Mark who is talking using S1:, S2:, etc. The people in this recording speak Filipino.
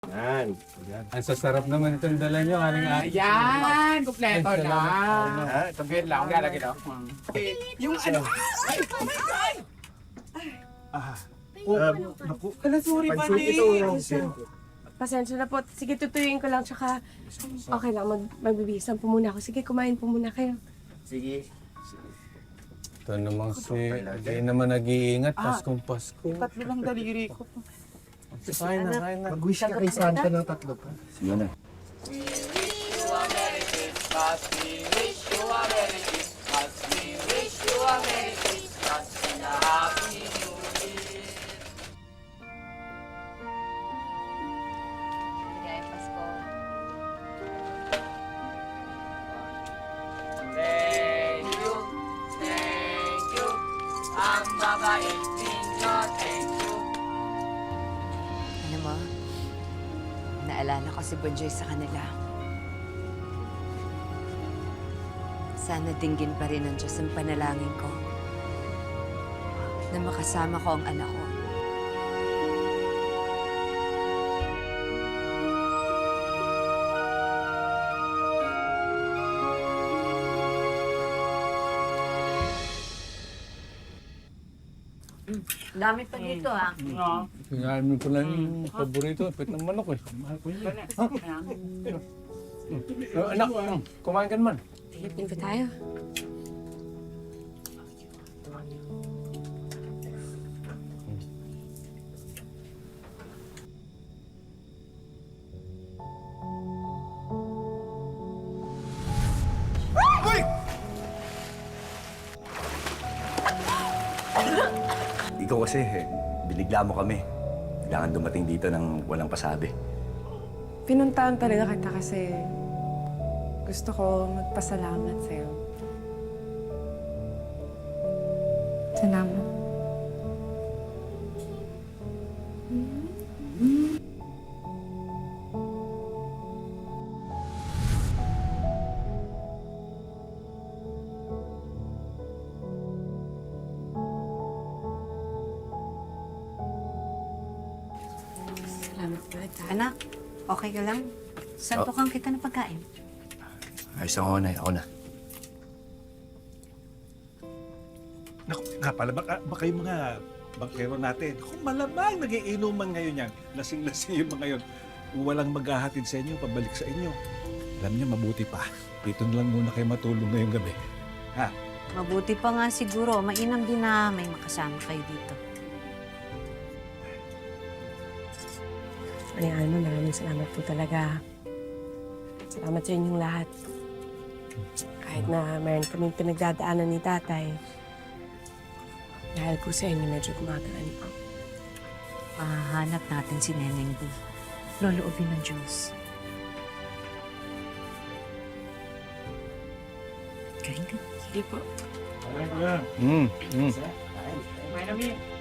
S1: Yan.
S2: Ang sasarap naman itong dala nyo, aling
S3: Ayan! Kompleto
S2: Ay,
S3: na!
S2: salamat.
S1: Ha, ito
S3: Wait lang, lalagay daw. Yung ano,
S1: naku.
S3: sorry pa
S1: Pansit ito.
S4: Pasensya na po. Sige, tutuyuin ko lang. Tsaka, okay lang. Magbibisan po muna ako. Sige, kumain po muna kayo.
S1: Sige.
S2: Ito naman hindi naman nag-iingat, Paskong Pasko.
S3: tatlo lang daliri ko.
S2: Kain na, kain na.
S1: Mag-wish ka kay Santa ng tatlo pa. Sige na.
S5: Maligayang Pasko.
S3: Thank you, thank you. Ang babait ninyo, thank you.
S5: Alam mo, naalala ko si Bonjoy sa kanila. Sana dinggin pa rin ng Diyos ang panalangin ko na makasama ko ang anak ko. Dami pa dito, ha?
S2: Kinain mo pala yung paborito, pet ng manok eh. Anak, kumain ka naman.
S4: Pilipin pa tayo.
S6: Ikaw kasi, binigla mo kami. Kailangan dumating dito ng walang pasabi.
S4: Pinuntahan talaga kita kasi gusto ko magpasalamat sa'yo. Salamat. Salamat ulit, ha?
S5: Anak, okay ka lang? Santukan kita ng pagkain.
S6: Ayos ako na, ako na.
S7: Naku, nga pala, baka yung mga bangkero natin, kung malamang nagiinuman ngayon yan, lasing-lasing yung mga yun, kung walang maghahatid sa inyo, pabalik sa inyo. Alam niyo, mabuti pa. Dito na lang muna kayo matulog ngayong gabi. Ha?
S5: Mabuti pa nga siguro. Mainam din na may makasama kayo dito.
S4: Ano, maraming salamat po talaga. Salamat sa inyong lahat. Kahit na mayroon kaming pinagdadaanan ni tatay, dahil po sa inyo medyo gumagalan po.
S5: Mahanap natin si Neneng B. Loloobin ng Diyos. Kain ka.
S4: Sige po.
S3: May namin.